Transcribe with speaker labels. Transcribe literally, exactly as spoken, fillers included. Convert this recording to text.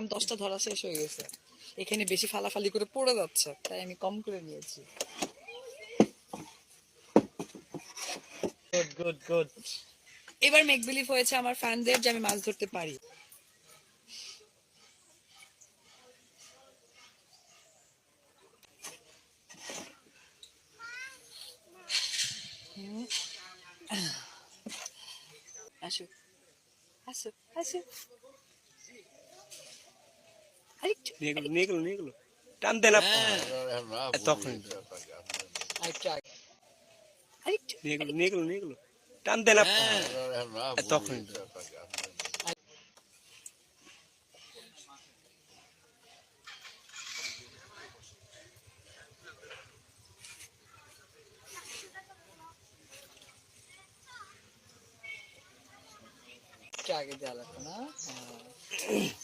Speaker 1: Ma'am দশটা ধরা শেষ হয়ে গেছে, এখানে বেশি ফালাফালি করে পড়ে যাচ্ছে, তাই আমি কম করে নিয়েছি। Good good good. এবার মেক বিলিভ হয়েছে আমার ফ্যানদের যে আমি মাছ ধরতে পারি। আসো আসো আসো, আরেকটু
Speaker 2: নিয়ে নিয়ে গেল নিয়ে গেল টান দেন তখন
Speaker 1: আরেকটু আগে, আরেকটু
Speaker 2: নিয়ে গেল নিয়ে গেল নিয়ে গেল টান দেন তখন
Speaker 1: আগে দেওয়া লাগবে না।